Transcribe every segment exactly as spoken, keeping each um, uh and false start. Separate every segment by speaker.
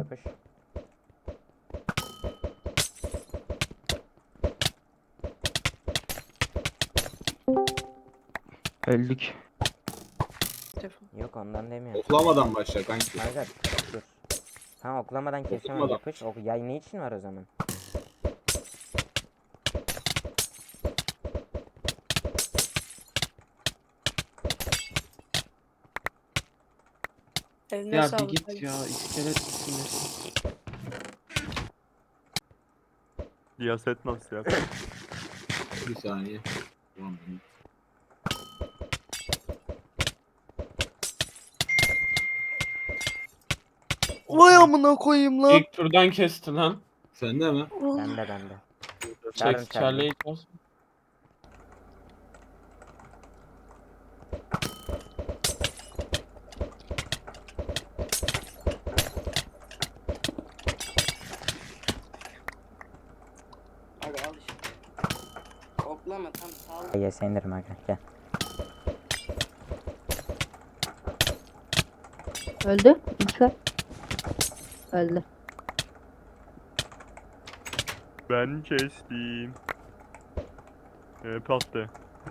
Speaker 1: yapış.
Speaker 2: Öldük.
Speaker 1: Yok ondan demiyorum.
Speaker 3: Oklamadan başla kanki.
Speaker 1: Kanka dur. Tamam oklamadan kesemem
Speaker 3: Oklamadan.
Speaker 1: yapış. Ok yay ne için var o zaman?
Speaker 4: Eline
Speaker 2: Ya bir
Speaker 4: sağlık.
Speaker 2: git ya. İskelet isimlesin.
Speaker 5: Siyaset nasıl ya?
Speaker 3: Bir saniye. Tamam.
Speaker 2: Vay amına koyayım lan.
Speaker 6: İlk turdan kesti lan.
Speaker 3: Sende mi?
Speaker 1: Bende bende. Çağırın
Speaker 6: Çek
Speaker 1: çağırın.
Speaker 6: Charlie'yi bas.
Speaker 7: Abi al işte. Toplama tam sağ ol.
Speaker 1: Ye sendirim aga gel.
Speaker 8: Öldü. İlker. Öldü.
Speaker 5: Ben kestim. Ee, pattı.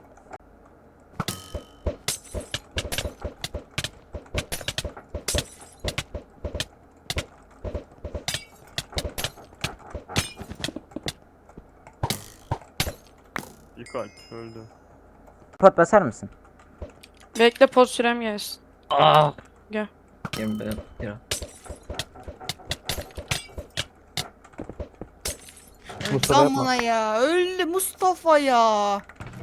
Speaker 5: İlk alp öldü.
Speaker 1: Pot basar mısın?
Speaker 4: Bekle poz sürem gelsin.
Speaker 2: Aa.
Speaker 4: Gel.
Speaker 2: Yemin ederim. Ya.
Speaker 9: Zamana ya. Öldü Mustafa ya.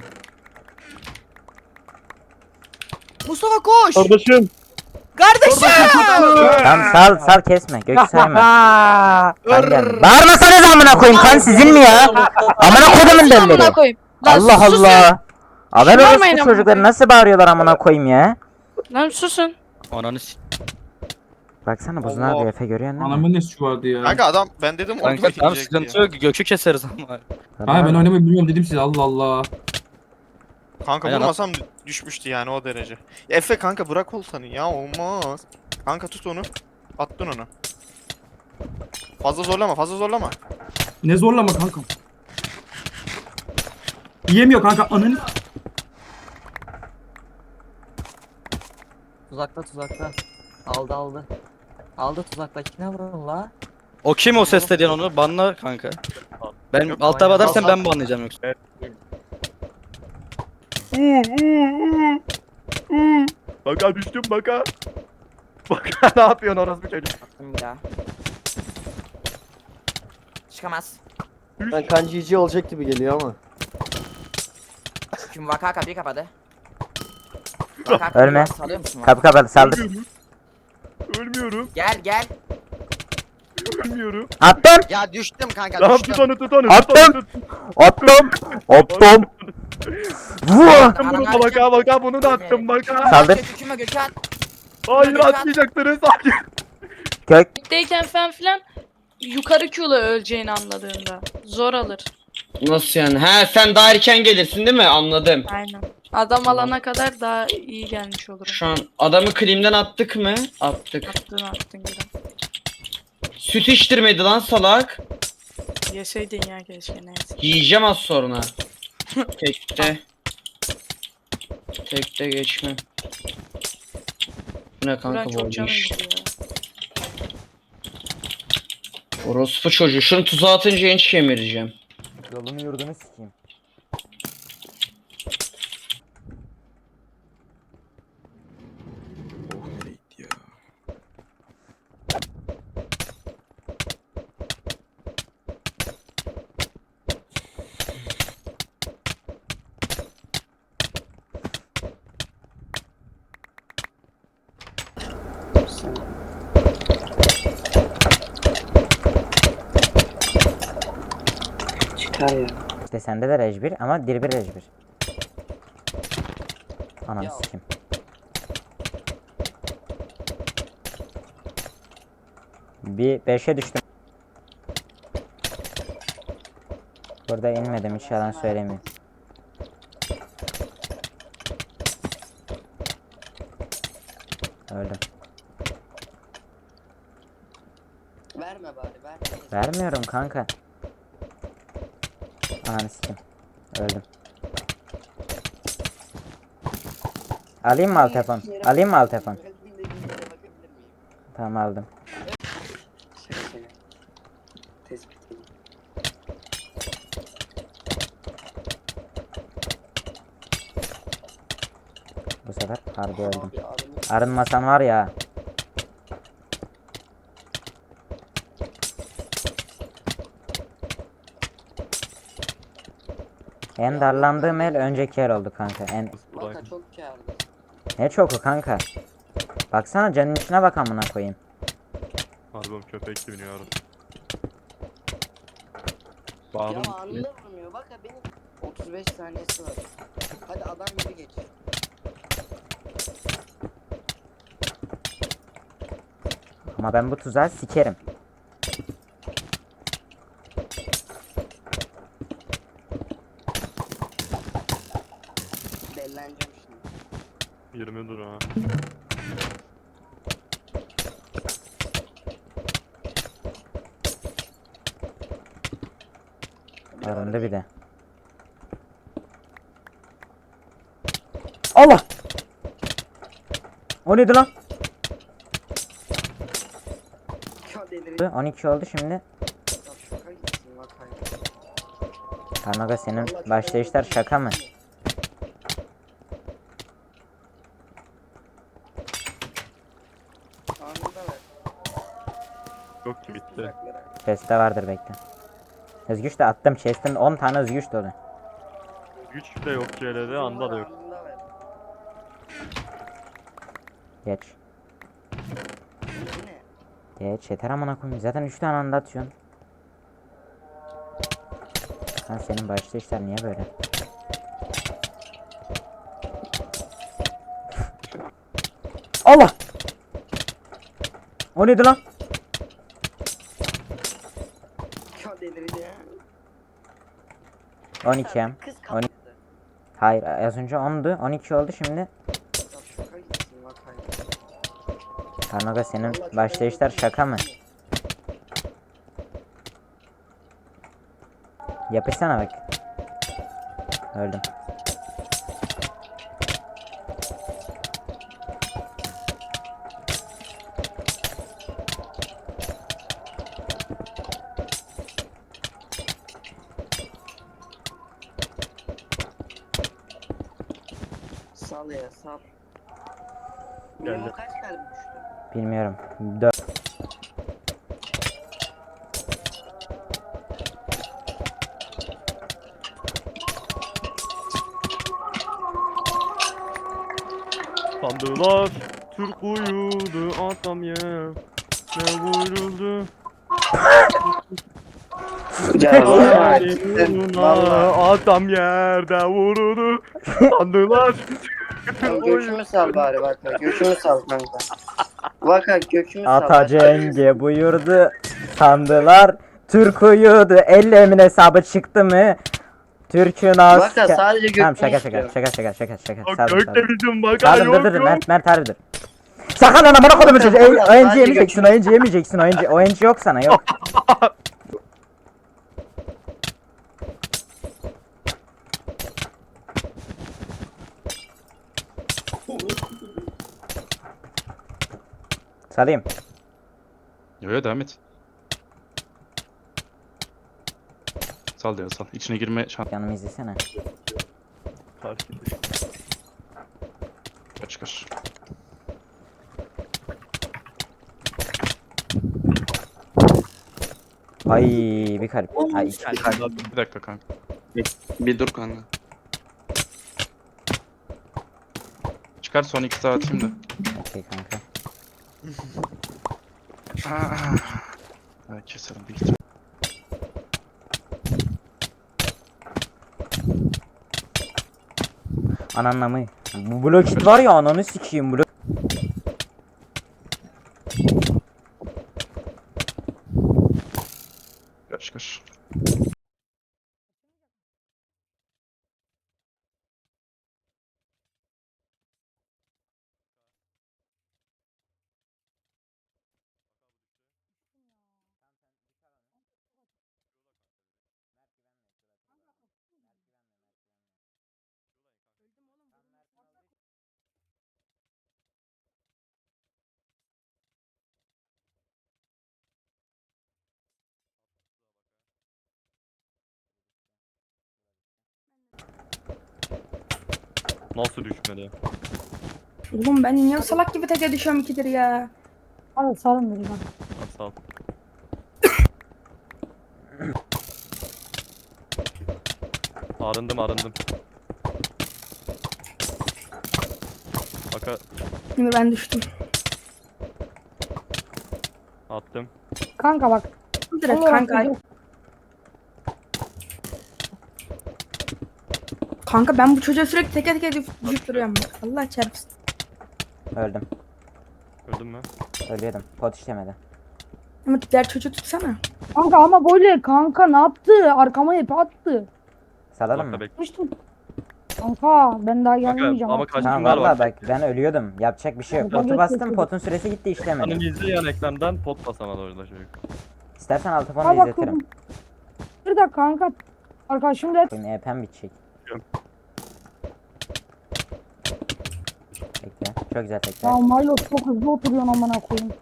Speaker 9: Mustafa koş.
Speaker 5: Kardeşim!
Speaker 9: Kardeşim.
Speaker 1: Tamam sal sal kesme. Gökü sayma. Ben geldim. Bağırmasanız amına koyayım kan sizin mi ya? Amına kodumun
Speaker 4: Sus amına
Speaker 1: delleri.
Speaker 4: koyayım. Lan
Speaker 1: Allah
Speaker 4: susun.
Speaker 1: Allah. Haber
Speaker 4: Şımarmayın
Speaker 1: orası
Speaker 4: amına
Speaker 1: çocukları
Speaker 4: koyayım.
Speaker 1: nasıl bağırıyorlar amına koyayım ya?
Speaker 4: Lan susun.
Speaker 2: Ananı s***.
Speaker 1: Baksana Buzun
Speaker 6: Allah.
Speaker 1: abi Efe görüyor musun?
Speaker 3: Anamın ne suçu vardı ya?
Speaker 10: Kanka adam ben dedim onu
Speaker 2: Kanka tamam
Speaker 10: bekleyecek
Speaker 2: sıkıntı
Speaker 10: diye.
Speaker 2: yok. Gökü keseriz ama.
Speaker 3: Hayır ben oynamayı bilmiyorum dedim size Allah Allah.
Speaker 10: Kanka
Speaker 2: Aynen.
Speaker 10: vurmasam düşmüştü yani o derece. Ya Efe kanka bırak oltanı ya olmaz. Kanka tut onu. Attın onu. Fazla zorlama fazla zorlama.
Speaker 3: Ne zorlama kankam. Yiyemiyor kanka ananı.
Speaker 7: Tuzakta tuzakta. Aldı aldı. Aldı tuzaktakine vurun la.
Speaker 2: O kim o ses dediğin onu? Banla kanka. Ben
Speaker 10: Yok,
Speaker 2: alt taba edersen
Speaker 10: al,
Speaker 2: ben
Speaker 10: al.
Speaker 2: banlayacağım yoksa.
Speaker 5: Baka düştüm baka. Baka ne yapıyorsun orası bir çocuk?
Speaker 7: Attım bir daha. Çıkamaz.
Speaker 2: Ben kancici olacak gibi geliyor ama.
Speaker 7: Şimdi vaka kapıyı kapadı.
Speaker 1: Ölme.
Speaker 7: Salıyor musun?
Speaker 1: Kapı kapalı saldır.
Speaker 5: Ölmüyorum. Ölmüyorum.
Speaker 7: Gel gel.
Speaker 5: Ölmüyorum.
Speaker 1: Attım.
Speaker 7: Ya düştüm kanka
Speaker 5: Tamam tut onu tut onu. Tut
Speaker 1: Attım.
Speaker 5: onu tut.
Speaker 1: Attım. Attım. Vur.
Speaker 5: Attım bunu da baka baka bunu da attım baka.
Speaker 1: Saldır.
Speaker 7: Göküme Gökhan.
Speaker 5: Hayır atmayacaktınız. Hayır.
Speaker 1: Kök.
Speaker 4: Bitteyken falan filan yukarı Q'la öleceğini anladığında. Zor alır.
Speaker 6: Nasıl yani? He sen daha erken gelirsin değil mi? Anladım.
Speaker 4: Aynen. Adam alana kadar daha iyi gelmiş olurum.
Speaker 6: Şu an adamı klimden attık mı? Attık.
Speaker 4: Attın attın gülüm.
Speaker 6: Süt içtirmedi lan salak.
Speaker 4: Yeseydin ya keşke neyse.
Speaker 6: Yiyeceğim az sonra. Tekte. Tekte geçme. Bu ne
Speaker 4: Buran
Speaker 6: kanka bu
Speaker 4: çok canım
Speaker 6: iş?
Speaker 4: gidiyor.
Speaker 6: Orospu çocuğu. Şunu tuzağa atınca enç kemireceğim.
Speaker 1: Yolunu yurdunu sikeyim.
Speaker 7: Çıkar ya.
Speaker 1: İşte sende de rej bir ama dir bir rej bir. Ananı sikeyim. Bir beşe düştüm. Burada inmedim hiç yalan söylemiyorum. Öldüm.
Speaker 7: Verme bari ver.
Speaker 1: Vermiyorum kanka. Ananı sikim. Öldüm. Alayım mı al telefon? Alayım mı al telefon?
Speaker 7: Kalbinde bir yere bakabilir miyim?
Speaker 1: Tamam aldım.
Speaker 7: Şaka şaka. Tespit edeyim.
Speaker 1: Bu sefer harbi öldüm.
Speaker 7: Abi adamı
Speaker 1: Arınmasan var ya. En darlandığım el önceki el oldu kanka. En
Speaker 7: Vaka çok kârlı.
Speaker 1: ne çoku kanka. Baksana canın içine bak amına koyayım.
Speaker 5: Harbim köpek gibi oynuyorum.
Speaker 7: Ya
Speaker 5: Bağırdım.
Speaker 7: anında vurmuyor. Vaka benim otuz beş saniyesi var. Hadi adam gibi geç.
Speaker 1: Ama ben bu tuzağı sikerim.
Speaker 7: Delleneceğim şimdi.
Speaker 5: yirmi dur ha.
Speaker 1: Arındı bir de. Allah! O neydi lan?
Speaker 7: Ya delireceğim.
Speaker 1: on iki oldu şimdi.
Speaker 7: Ya şaka gitsin vakayı.
Speaker 1: Karnaga senin
Speaker 7: Vallahi çok
Speaker 1: başlayışlar
Speaker 7: eğlenceli.
Speaker 1: şaka mı?
Speaker 7: Anında ver.
Speaker 5: Yok ki bitti.
Speaker 7: Uzaklara.
Speaker 1: Chest'te vardır bekle. Özgüç de attım chest'in on tane özgüç dolu.
Speaker 5: Güç de yok C L'de, anda da yok.
Speaker 7: Anında ver.
Speaker 1: Geç.
Speaker 7: Bu ne?
Speaker 1: Geç yeter amına koyayım. Zaten üç tane anda atıyorsun. Lan senin başlayışlar niye böyle? Allah! O neydi lan?
Speaker 7: Ya delireceğim.
Speaker 1: on iki em.
Speaker 7: Kız
Speaker 1: on-
Speaker 7: kapatı.
Speaker 1: Hayır az önce ondu. on iki oldu şimdi.
Speaker 7: Ya şaka gitsin vakayı.
Speaker 1: Karnaga senin
Speaker 7: Vallahi çok
Speaker 1: başlayışlar
Speaker 7: eğlenceli.
Speaker 1: şaka mı? Yapışsana bak. Öldüm.
Speaker 7: Sal ya sal.
Speaker 5: Geldi.
Speaker 7: Minimum kaç kalbi düştü?
Speaker 1: Bilmiyorum. dört.
Speaker 5: Sandılar Türk uyudu atam ya. Ne vuruldu?
Speaker 7: Ya
Speaker 5: Uğruna atam yerde vuruldu. Sandılar.
Speaker 7: Gökümü sal bari Vaka. Gökümü sal kanka. Vaka gökümü sal.
Speaker 1: Ata Cenge buyurdu. Sandılar. Türk uyudu. Ellemin hesabı çıktı mı? Türk'ün az.
Speaker 7: Vaka sadece gökümü
Speaker 1: Tamam şaka şaka
Speaker 7: istiyorum.
Speaker 1: şaka şaka şaka şaka.
Speaker 5: Bak
Speaker 1: Saldım
Speaker 5: gökte
Speaker 1: saldım.
Speaker 5: bizim baka
Speaker 1: Saldım dur
Speaker 5: yok
Speaker 1: dur
Speaker 5: yok.
Speaker 1: Mert Mert harbidir. Sakın lan amına kodumu çocuğu.
Speaker 7: Valla
Speaker 1: O N G
Speaker 7: sadece
Speaker 1: yemeyeceksin. O N G yemeyeceksin. O N G O N G yok sana yok. Salayım.
Speaker 11: Yo yo devam et. Sal ya sal. İçine girme şans
Speaker 1: Yanımı izlesene.
Speaker 5: Karşı
Speaker 11: çıkar.
Speaker 1: Ay bir kalp. Ay iki.
Speaker 11: Bir dakika kanka.
Speaker 6: Bir dur kanka.
Speaker 11: Çıkar son iki saat şimdi.
Speaker 1: Okey kanka.
Speaker 11: Ha, keserim bir ihtimal.
Speaker 1: Ananla mı? Bu blok it var ya ananı sikeyim blok.
Speaker 11: Çıkar.
Speaker 5: Nasıl düşmedi?
Speaker 4: Oğlum ben niye salak gibi teke düşüyorum ikidir ya.
Speaker 8: Hadi salın beni bak.
Speaker 5: Ha, sağ ol. Arındım arındım. Baka
Speaker 4: Şimdi ben düştüm.
Speaker 5: attım.
Speaker 8: Kanka bak.
Speaker 4: Direkt
Speaker 8: Allah
Speaker 4: kanka.
Speaker 8: Allah.
Speaker 4: Kanka ben bu çocuğa sürekli teke teke düş- düşüp duruyorum. bak. Allah çarpsın.
Speaker 1: Öldüm.
Speaker 5: Öldün mü?
Speaker 1: Ölüyordum. Pot işlemedi.
Speaker 4: Ama diğer çocuğu tutsana.
Speaker 8: Kanka ama böyle kanka ne yaptı? Arkama hep attı.
Speaker 1: Salalım
Speaker 5: Bak
Speaker 1: mı?
Speaker 5: da bek.
Speaker 8: Düştüm. Kanka ben daha gelmeyeceğim.
Speaker 5: ama
Speaker 8: Bak.
Speaker 5: kaç-
Speaker 1: Tamam
Speaker 5: Kaçınlar
Speaker 1: valla
Speaker 5: var.
Speaker 1: bak ben ölüyordum. Yapacak bir şey yok.
Speaker 8: Bak,
Speaker 1: Potu
Speaker 8: bak,
Speaker 1: bastım,
Speaker 8: bak.
Speaker 1: potun süresi gitti işlemedi.
Speaker 5: Hani izle yan ekrandan pot basamadı orada çocuk.
Speaker 1: İstersen altı
Speaker 8: Ha
Speaker 1: fonu
Speaker 8: bak.
Speaker 1: izletirim.
Speaker 8: Bir dakika kanka. Arkadaşım da
Speaker 1: Benim E P'm bitecek.
Speaker 5: Yok.
Speaker 1: Bekle. Çok güzel tekrar.
Speaker 8: ya Milo çok hızlı oturuyorsun amına koyayım.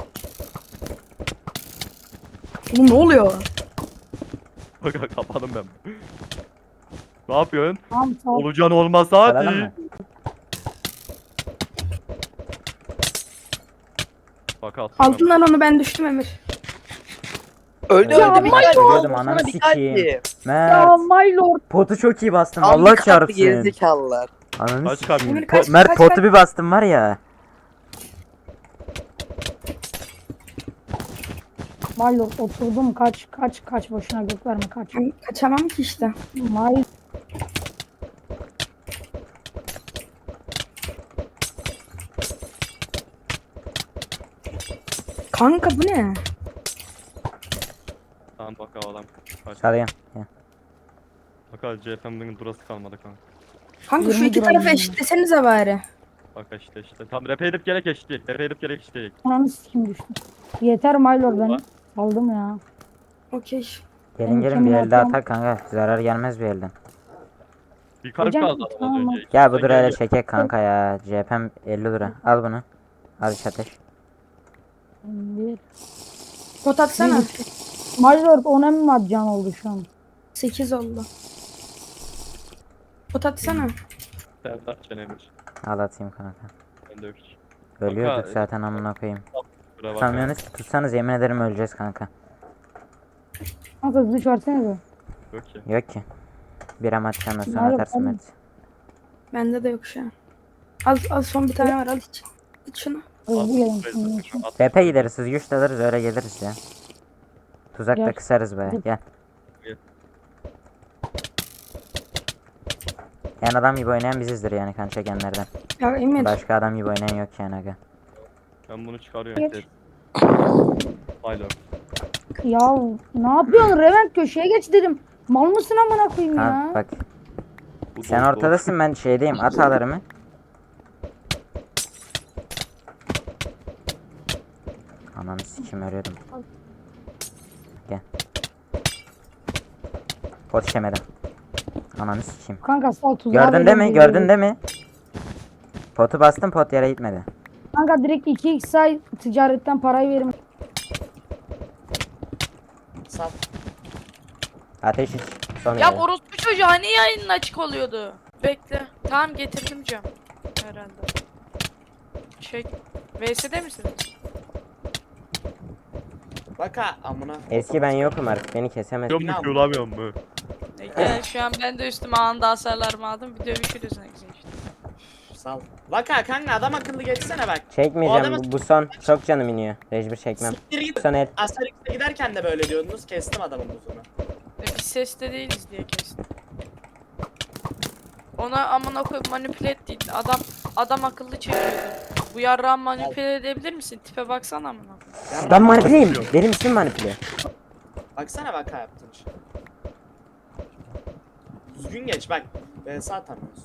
Speaker 4: Oğlum ne oluyor?
Speaker 5: Bak kapadım ben. Ne yapıyorsun?
Speaker 8: Tamam sağ ol.
Speaker 5: Olacağın olmasa
Speaker 1: Salalım
Speaker 5: hadi.
Speaker 1: mı?
Speaker 5: Bak attım.
Speaker 4: Altından onu ben düştüm Emir.
Speaker 7: Öldü
Speaker 8: Ya
Speaker 7: öldü bir
Speaker 8: Milo!
Speaker 7: kalp.
Speaker 1: Ölüyordum, ananı
Speaker 7: Sana bir kalp
Speaker 1: sikeyim.
Speaker 7: diyeyim.
Speaker 8: Ya
Speaker 1: Mert.
Speaker 8: Milo.
Speaker 1: Potu çok iyi bastım.
Speaker 7: Tam
Speaker 1: Allah
Speaker 7: bir kalp
Speaker 1: çarpsın.
Speaker 7: gerizekalılar.
Speaker 1: Ananı
Speaker 5: Kaç
Speaker 1: sikeyim.
Speaker 5: kalp?
Speaker 4: Emir
Speaker 1: Po-
Speaker 4: kaç,
Speaker 1: Mert
Speaker 4: kaç,
Speaker 1: potu
Speaker 4: kaç?
Speaker 1: bir bastım var ya.
Speaker 8: Milo oturdum kaç kaç kaç boşuna gök verme kaç.
Speaker 4: Ben kaçamam ki işte.
Speaker 8: Milo.
Speaker 4: Kanka bu ne?
Speaker 5: Tamam bak adam. Kaç.
Speaker 1: Salayım. Ya.
Speaker 5: Bak C F M'nin durası kalmadı kanka.
Speaker 4: Kanka şu
Speaker 8: yirmi
Speaker 4: iki
Speaker 8: gram
Speaker 4: tarafı
Speaker 8: yani.
Speaker 4: eşitlesenize bari.
Speaker 5: Bak işte işte. Tam rap edip gerek eşitlik. Rap edip gerek eşitlik.
Speaker 8: Ananı sikim düştü. Yeter Milo ben aldım ya.
Speaker 4: Okey.
Speaker 1: Gelin
Speaker 8: Benim
Speaker 1: gelin bir
Speaker 8: kemin
Speaker 1: elde
Speaker 8: atam-
Speaker 1: atak kanka. Zarar gelmez bir elden.
Speaker 5: Bir karıp
Speaker 8: Hocam,
Speaker 5: kaldı adam
Speaker 8: tamam.
Speaker 5: az önce.
Speaker 1: Gel bu
Speaker 5: Sen
Speaker 1: durayla
Speaker 5: gel.
Speaker 1: çekek kanka ya. C P M elli lira. Al bunu. Al iş ateş.
Speaker 8: Bir.
Speaker 4: Pot atsana.
Speaker 8: Milo on mi atcan oldu şu an.
Speaker 4: sekiz oldu. Pot atsana.
Speaker 5: Sen de çenemiş.
Speaker 1: Al atayım kanka.
Speaker 5: Ben de öpüş.
Speaker 1: Ölüyorduk
Speaker 5: Kanka,
Speaker 1: zaten amına koyayım.
Speaker 5: Bura bak.
Speaker 1: Tutamıyorsunuz ki, tutsanız yemin ederim öleceğiz kanka.
Speaker 8: Kanka hızlı çağırsana.
Speaker 5: Yok ki.
Speaker 1: Yok ki. Bir amaç sonra sonra
Speaker 8: Nerede
Speaker 1: atarsın
Speaker 8: oğlum?
Speaker 1: Mert.
Speaker 4: Bende de yok şu an. Al, al son bir tane var al iç. İç şunu.
Speaker 8: Hızlı gelin şimdi.
Speaker 5: At.
Speaker 1: B P gideriz, hız güç de alırız öyle geliriz ya. Tuzak da
Speaker 8: Gel.
Speaker 1: kısarız baya gel.
Speaker 5: Gel.
Speaker 1: En adam gibi oynayan bizizdir yani kan çekenlerden.
Speaker 4: Ya Emir.
Speaker 1: Başka adam gibi oynayan yok yani aga.
Speaker 5: Ben bunu çıkarıyorum.
Speaker 8: Geç.
Speaker 5: Geç. Haylo.
Speaker 8: Ya ne yapıyorsun Revent köşeye geç dedim. Mal mısın amına koyayım
Speaker 1: Ha
Speaker 8: ya?
Speaker 1: bak
Speaker 5: Bu
Speaker 1: sen
Speaker 5: doğru,
Speaker 1: ortadasın ben şeydeyim at ağlarımı. Ananı sikim örüyordum. Gel. Pot işemedim. Ananı sikeyim.
Speaker 8: Kanka sal tuzağa
Speaker 1: Gördün değil mi?
Speaker 8: veriyorum,
Speaker 1: Gördün
Speaker 8: veriyorum.
Speaker 1: değil mi? Potu bastım pot yere gitmedi.
Speaker 8: Kanka direkt iki x ay ticaretten parayı verim.
Speaker 7: Sal.
Speaker 1: Ateş iç. Son
Speaker 4: Ya
Speaker 1: yere.
Speaker 4: orospu çocuğu hani yayının açık oluyordu. Bekle. Tamam getirdim cam. Herhalde. Şey. V S'de misiniz?
Speaker 7: Bak ha amına.
Speaker 1: Eski ben yokum artık beni kesemez.
Speaker 5: Yok mu kullanmıyor mu?
Speaker 4: E, gel şu an ben de üstüme anında hasarlarımı aldım. Bir dövüşürüz ne güzel işte.
Speaker 7: Sal. Bak ha kanka adam akıllı geçsene bak. O
Speaker 1: Çekmeyeceğim
Speaker 7: adamı-
Speaker 1: bu, bu son çok canım iniyor. Mecbur çekmem.
Speaker 7: Siktir git.
Speaker 1: Son el.
Speaker 7: Asterix'e giderken de böyle diyordunuz. Kestim adamın buzunu.
Speaker 4: E, biz seste değiliz diye kestim. Ona amına koyup manipüle ettiydin. Adam adam akıllı çekiyordu. Bu yarrağı manipüle edebilir misin? Tipe baksana amına koyayım.
Speaker 1: Ben manipüleyim. Benim ismim manipüle.
Speaker 7: Baksana bak ha yaptığın şey. Düzgün geç bak. Ben sağ atamıyoruz.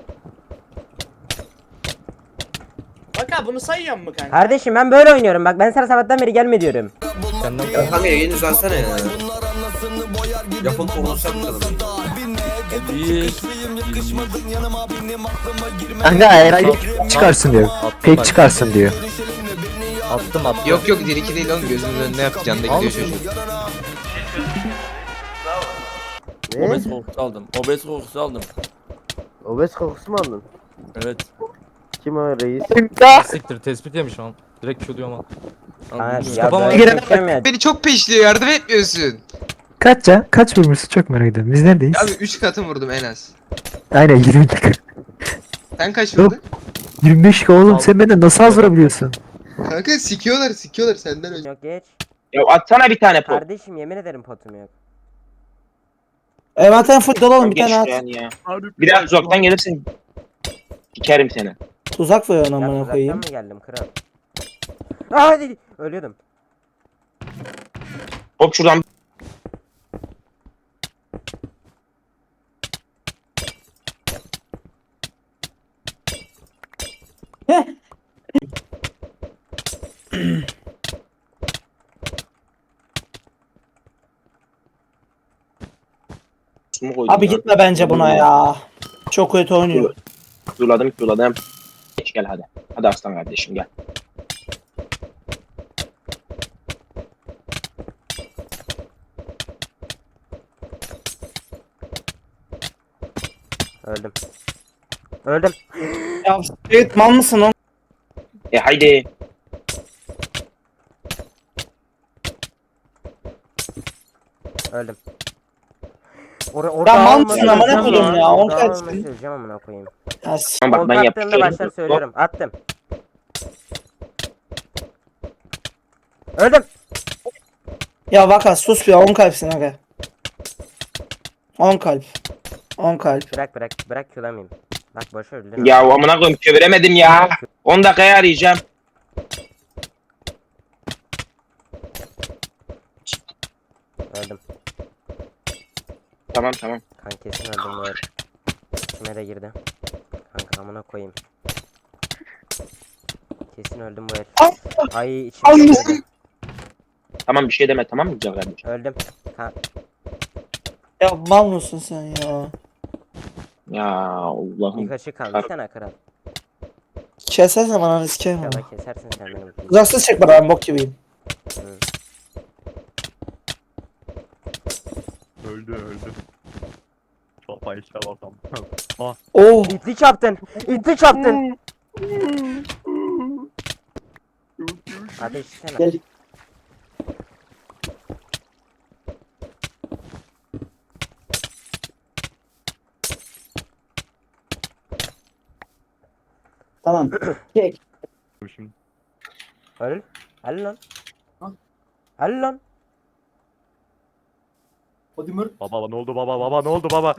Speaker 7: Bak ha bunu sayıyor mu kanka?
Speaker 1: Kardeşim ben böyle oynuyorum bak ben sana sabahtan beri gelme diyorum.
Speaker 12: Ya kanka yayını uzatsana ya. Yapın konuşsak mı?
Speaker 13: Kanka herhalde çıkarsın diyor. Pek çıkarsın diyor.
Speaker 2: Attım attım.
Speaker 12: Yok yok bir iki değil oğlum gözümün önüne yaptı canda gidiyor çocuk.
Speaker 2: Obez kokusu aldım. Obez kokusu aldım.
Speaker 7: Obez kokusu mu aldın?
Speaker 2: Evet.
Speaker 7: Kim o reis?
Speaker 2: Siktir tespit yemiş an. Direkt Q diyor ama.
Speaker 1: Ha,
Speaker 2: Mustafa
Speaker 1: ya
Speaker 2: ama-
Speaker 1: böyle çekeceğim ya.
Speaker 14: Beni çok peşliyor, yardım etmiyorsun.
Speaker 13: Kaç can? Kaç vurmuşsun çok merak ediyorum. Biz neredeyiz?
Speaker 14: Abi üç katı vurdum en az.
Speaker 13: Aynen yirmi dakika.
Speaker 14: Sen kaç
Speaker 13: Yok.
Speaker 14: vurdun?
Speaker 13: yirmi beş oğlum sen benden nasıl az vurabiliyorsun?
Speaker 14: Kanka sikiyorlar sikiyorlar senden önce.
Speaker 1: Yok geç.
Speaker 10: Ya atsana bir tane pot.
Speaker 1: Kardeşim yemin ederim potum yok.
Speaker 9: Envanterin full dolu oğlum bir
Speaker 10: Geç
Speaker 9: tane at.
Speaker 10: şuraya ya. Bir daha uzaktan gelirsin. Dikerim seni.
Speaker 9: Tuzak ver ona
Speaker 1: Ya
Speaker 9: amına
Speaker 1: uzaktan
Speaker 9: koyayım.
Speaker 1: mı geldim kral? Aa hadi. Ölüyordum.
Speaker 10: Hop şuradan. Sumu koydum
Speaker 9: Abi
Speaker 10: lan.
Speaker 9: gitme bence buna ya. Çok kötü oynuyor.
Speaker 10: Zuladım zuladım. Geç gel hadi. Hadi aslan kardeşim gel.
Speaker 1: Öldüm. Öldüm.
Speaker 9: Ya evet mal mısın oğlum?
Speaker 10: E haydi.
Speaker 1: Öldüm. Or orada
Speaker 9: mal
Speaker 1: alma
Speaker 9: mısın amına
Speaker 1: söyleyeceğim
Speaker 9: koyayım ya, on
Speaker 1: Orada
Speaker 9: kaç
Speaker 1: alma
Speaker 9: sen?
Speaker 1: söyleyeceğim amına koyayım.
Speaker 9: Ya s-
Speaker 10: Tamam bak ben
Speaker 1: Olta attığımda
Speaker 10: yapıyorum.
Speaker 1: başlar söylüyorum. Attım. Öldüm.
Speaker 9: Ya Vaka sus ya on kalpsin aga. on kalp. on kalp.
Speaker 1: Bırak bırak. Bırak külamayayım. Bak boş öldün.
Speaker 10: Ya amına koyayım çeviremedim ya. on dakikaya arayacağım.
Speaker 1: Öldüm.
Speaker 10: Tamam tamam.
Speaker 1: Kanka kesin öldüm bu el. İçime de girdi. Kanka amına koyayım. Kesin öldüm bu el. Ay içime de girdi.
Speaker 10: Tamam bir şey deme tamam mı güzel kardeşim?
Speaker 1: Öldüm. Ha,
Speaker 9: Ya mal mısın sen ya?
Speaker 10: Ya Allah'ım.
Speaker 1: bir kaşık kaldı. Bir tane kral.
Speaker 9: Kesersen bana sikerim ama.
Speaker 1: İnşallah kesersin sen benim.
Speaker 9: Uzaksız çek bana ben bok gibiyim.
Speaker 1: Hı.
Speaker 5: Öldü öldü. Sopa işte bakalım.
Speaker 9: Oh.
Speaker 1: İtlik yaptın. İtlik yaptın. Ateş içsene.
Speaker 9: Gel. Tamam. Çek.
Speaker 5: Şimdi.
Speaker 1: Öl. Öl lan. Öl lan.
Speaker 5: Baba ne oldu baba baba ne oldu baba?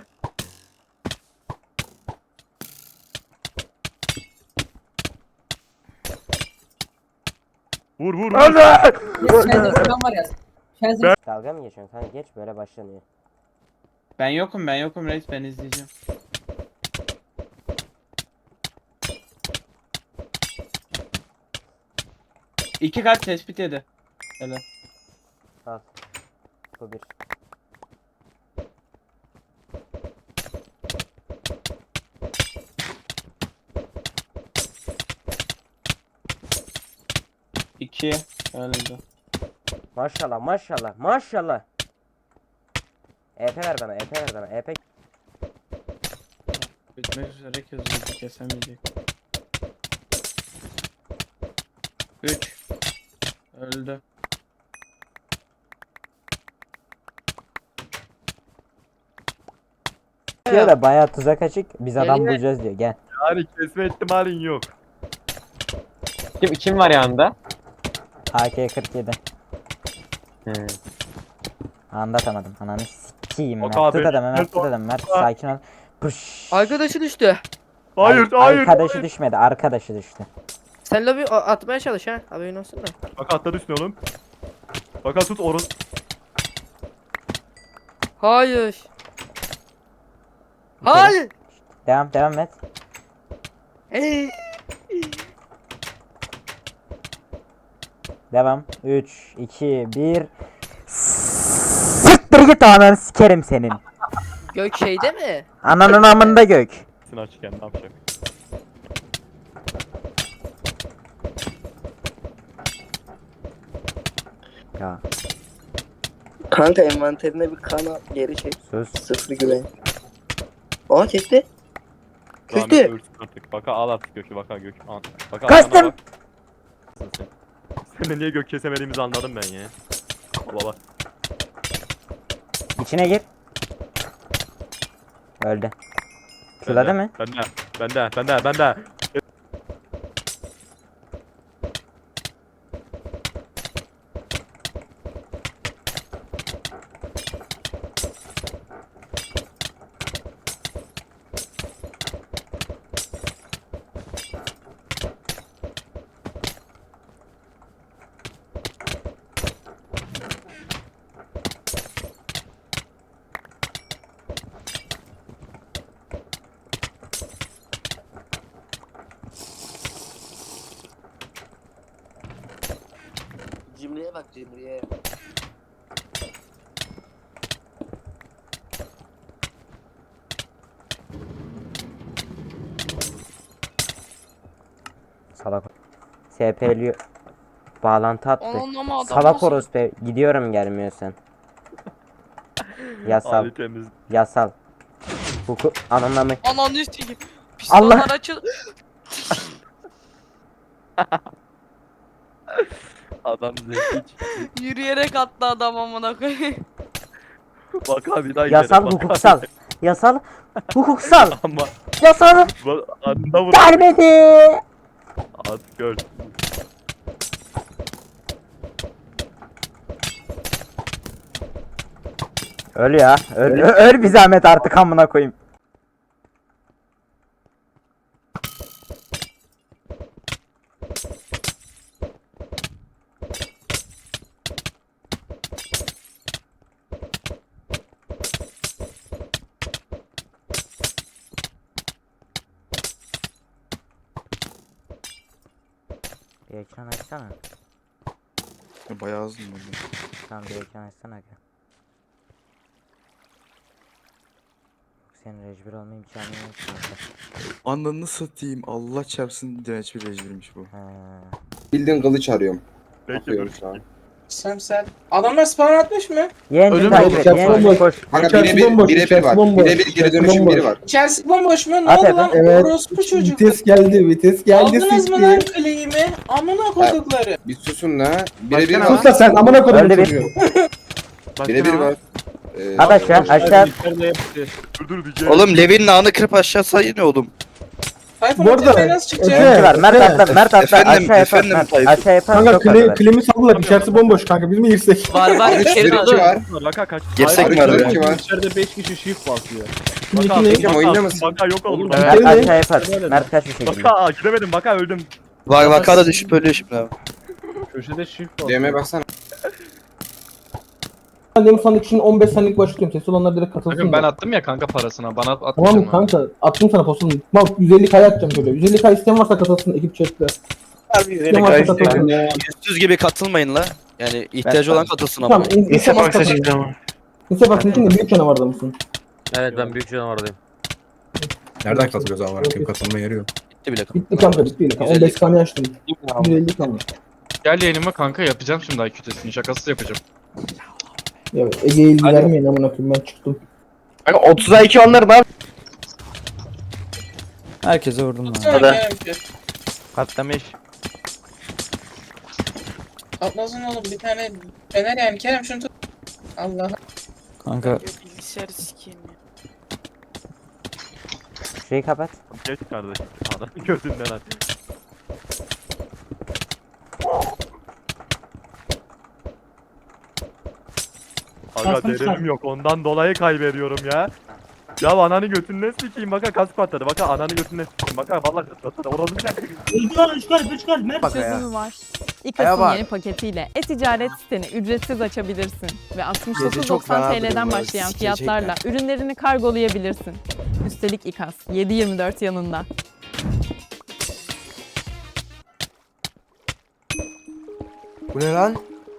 Speaker 5: Vur vur vur.
Speaker 1: Dalga mı geçiyorsun kanka? Geç böyle başlanıyor.
Speaker 2: Ben yokum ben yokum reis ben izleyeceğim. İki kat tespit yedi. Helal.
Speaker 1: Al. Bu bir.
Speaker 2: İki. Öldü.
Speaker 1: Maşallah maşallah maşallah. E P ver bana, E P ver bana, E P.
Speaker 2: Bitmek üzere gözümüzü kesemeyecek. Üç. Öldü.
Speaker 1: Diyor da bayağı tuzak açık. Biz adam
Speaker 4: Geliyor.
Speaker 1: bulacağız diyor. Gel.
Speaker 5: Yani kesme ihtimalin yok.
Speaker 7: Kim, kim var yanında?
Speaker 1: A K kırk yedi. Anlatamadım. Ananı sikeyim
Speaker 5: Bak
Speaker 1: Mert.
Speaker 5: abi,
Speaker 1: Tut adamı Mert,
Speaker 5: Mert
Speaker 1: tut adamı Mert. Sakin ol. Pış.
Speaker 4: Arkadaşı düştü.
Speaker 5: Hayır
Speaker 1: Ay-
Speaker 5: hayır.
Speaker 1: Arkadaşı
Speaker 5: hayır.
Speaker 1: düşmedi, arkadaşı düştü.
Speaker 4: Sen lobi a- atmaya çalış ha. Haberin olsun da.
Speaker 5: Bak atladı üstüne oğlum. Bak tut orun.
Speaker 4: Hayır. Hayır.
Speaker 1: Devam, devam et.
Speaker 4: Ey.
Speaker 1: Devam. üç, iki, bir. Siktir git ananı sikerim senin.
Speaker 4: Gök şeyde mi?
Speaker 1: Ananın amında gök.
Speaker 5: Seni açıkken ne yapacak?
Speaker 1: Ya
Speaker 7: Kanka envanterine bir kan al geri çek.
Speaker 1: sus.
Speaker 7: Sıfır güven. Aa kesti.
Speaker 5: Zahmet
Speaker 7: Kötü.
Speaker 5: ölsün artık. Baka al artık Gök'ü baka Gök. Al. Baka
Speaker 1: Kastım.
Speaker 5: arkana bak. Sen. Sen de niye Gök kesemediğimizi anladım ben ya. Baba.
Speaker 1: İçine gir. Öldü. Şurada mı?
Speaker 5: Bende. Bende. Bende. Bende.
Speaker 7: Cimriye bak cimriye.
Speaker 1: Salak. S P'li bağlantı attı.
Speaker 4: Onun ama adam
Speaker 1: Salak
Speaker 4: nasıl-
Speaker 1: orospu. Gidiyorum gelmiyorsan. Yasal.
Speaker 5: Ali temiz.
Speaker 1: Yasal. Hukuk anlamı.
Speaker 4: Ananı sikeyim.
Speaker 1: Allah.
Speaker 4: Pistonlar açıl.
Speaker 5: Adam zeki.
Speaker 4: Yürüyerek attı adam amına koyayım.
Speaker 5: Baka bir daha
Speaker 1: Yasal
Speaker 5: gidelim, baka.
Speaker 1: hukuksal. Yasal hukuksal.
Speaker 5: Ama
Speaker 1: Yasal
Speaker 5: bu adında vur.
Speaker 1: gelmedi.
Speaker 5: At gör.
Speaker 1: Öl ya. Öl, ö- öl bir zahmet artık amına koyayım. Bir ekran açsana.
Speaker 11: Bayağı hızlı mı?
Speaker 1: Tamam bir ekran açsana. Aga. Senin rejbir olma imkanı yok kanka.
Speaker 11: Ananı satayım. Allah çarpsın direnç bir rejbirmiş bu.
Speaker 1: Ha.
Speaker 12: Bildiğin kılıç arıyorum.
Speaker 5: Peki
Speaker 12: Bakıyorum
Speaker 5: dur.
Speaker 12: şu an.
Speaker 9: Sen sen. Adamlar spawn atmış mı?
Speaker 1: Yendim
Speaker 13: Ölüm
Speaker 1: takip
Speaker 13: yok,
Speaker 1: et.
Speaker 13: içerisi
Speaker 1: Yendim
Speaker 13: bomboş.
Speaker 1: koş.
Speaker 12: Kanka
Speaker 13: İçerisi
Speaker 12: birebir
Speaker 13: bomboş,
Speaker 12: birebir
Speaker 13: içerisi
Speaker 12: var.
Speaker 13: bomboş,
Speaker 12: Birebir geri
Speaker 13: içerisi
Speaker 12: dönüşüm biri
Speaker 13: bomboş.
Speaker 12: var.
Speaker 9: İçerisi bomboş mu? Ne
Speaker 1: At
Speaker 9: oldu
Speaker 1: Efe.
Speaker 9: lan?
Speaker 13: Evet.
Speaker 9: Orospu çocuk.
Speaker 13: Vites geldi, vites geldi.
Speaker 9: Aldınız mı
Speaker 13: siktir.
Speaker 9: lan claim'i? Amına kodukları.
Speaker 12: Bir susun la. Birebir
Speaker 14: Başkan
Speaker 12: var.
Speaker 13: Sus da sen amına koydum
Speaker 1: Öldü bir.
Speaker 13: çocuğu.
Speaker 12: Birebir var. Ee,
Speaker 1: At aşağı aşağı.
Speaker 5: Dur dur diyeceğim.
Speaker 2: Oğlum Levin'in ağını kırıp aşağı sayın oğlum.
Speaker 9: Tayfun
Speaker 13: Bu arada-
Speaker 9: öteye nasıl çıkacak?
Speaker 13: Efe-
Speaker 1: İki var. Mert atla. Mert atla.
Speaker 2: Efendim,
Speaker 1: Aşağı yapar.
Speaker 2: efendim
Speaker 1: Mert.
Speaker 2: Tayfun.
Speaker 1: Aşağı yapar.
Speaker 13: Kanka
Speaker 1: Çok
Speaker 13: kli,
Speaker 1: kadar.
Speaker 13: klimi saldılar, içerisi bomboş kanka, biz mi girsek?
Speaker 4: Var var
Speaker 12: Üç
Speaker 4: içeri
Speaker 12: bir
Speaker 4: dolu.
Speaker 12: iki var.
Speaker 5: Baka kaç.
Speaker 2: Girsek mi
Speaker 12: Arada
Speaker 2: araya?
Speaker 12: iki var.
Speaker 14: İçeride beş kişi shift basıyor.
Speaker 5: Baka
Speaker 13: İki ne?
Speaker 12: Hocam oyunda mısın?
Speaker 5: Baka yok oldu.
Speaker 13: Oğlum,
Speaker 1: Mert
Speaker 13: Öyle.
Speaker 1: aşağı yapar. Mert kaç bir şekilde.
Speaker 5: Baka gidemedim baka öldüm.
Speaker 2: Vay vaka da düşüp ölüyor şimdi abi.
Speaker 14: Köşede shift basıyor.
Speaker 12: D M'ye baksana.
Speaker 13: Ben demin sandık için on beş saniyelik başlıyorum. Ses olanlar direkt katılsın.
Speaker 14: Bakın ben
Speaker 13: da.
Speaker 14: attım ya kanka parasına. Bana
Speaker 13: Tamam
Speaker 14: atmayacağım
Speaker 13: mı kanka? Attım sana postunu. Bak yüz elli kaya atacağım çocuğa. yüz elli kaya isteyen varsa katılsın ekip chatte. İsteyen varsa katılsın.
Speaker 2: Yüzsüz gibi katılmayın la. Yani ihtiyacı olan katılsın ama.
Speaker 13: Tamam. in- Lise bak katılsın. Lise bak için de büyük canavarda mısın?
Speaker 14: Evet ben büyük canavardayım.
Speaker 12: Nereden katılıyoruz ama? Kim katılma yeri yok.
Speaker 2: Bitti bile.
Speaker 13: Bitti kanka bitti. on beş saniye açtım. yüz elli kanka.
Speaker 14: Gel yayınıma kanka yapacağım şimdi I Q testini. Şakasız yapacağım.
Speaker 13: Ya Ege'ye ilgi vermeyin amına koyayım, ben çıktım.
Speaker 6: Kanka otuza iki onlar da.
Speaker 2: Herkese vurdum lan.
Speaker 9: Hadi.
Speaker 2: Patlamış.
Speaker 9: Atlasın oğlum bir tane fener yani. Kerem şunu tut. Allah.
Speaker 2: Kanka.
Speaker 4: Bilgisayarı sikeyim ya.
Speaker 1: Şeyi kapat.
Speaker 5: Geç kardeşim. Adam gözünden aç. Aga derecim yok ondan dolayı kaybediyorum ya. Ya ananı götünden sikeyim baka kask patladı baka ananı götünden sikeyim baka vallahi patladı orası ne?
Speaker 15: Çözümü var. İKAS'ın yeni paketiyle e-ticaret siteni ücretsiz açabilirsin ve altmış dokuz doksan T L'den başlayan fiyatlarla ürünlerini kargolayabilirsin. Üstelik İKAS yedi yirmi dört yanında.
Speaker 12: Bu ne lan?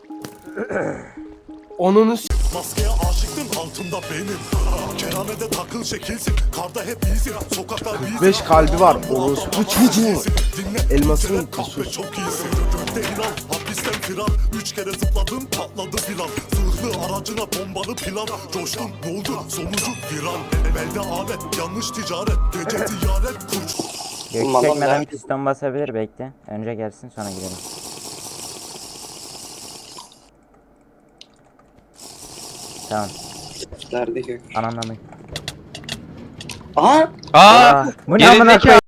Speaker 13: Onun
Speaker 16: Maskeye aşıktım altında benim. Keramede takıl şekilsin. Karda hep iyisin. Sokaklar iyisin.
Speaker 12: Beş kalbi var. Orospu çocuğu. Elmasın
Speaker 16: Kahve çok iyisin. Gökte inan. Hapis Polisten firar. Üç kere zıpladım patladı filan. Zırhlı aracına bombalı plan. Coştum ne oldu sonucu viran. Elde alet yanlış ticaret. Gece ziyaret kurş.
Speaker 1: Gökü çekmeden piston basabilir, bekle. Önce gelsin sonra gidelim. Tamam.
Speaker 7: Nerede gök?
Speaker 1: Ananı.
Speaker 7: Aha!
Speaker 2: Aa!
Speaker 1: Bu ne amına koyayım?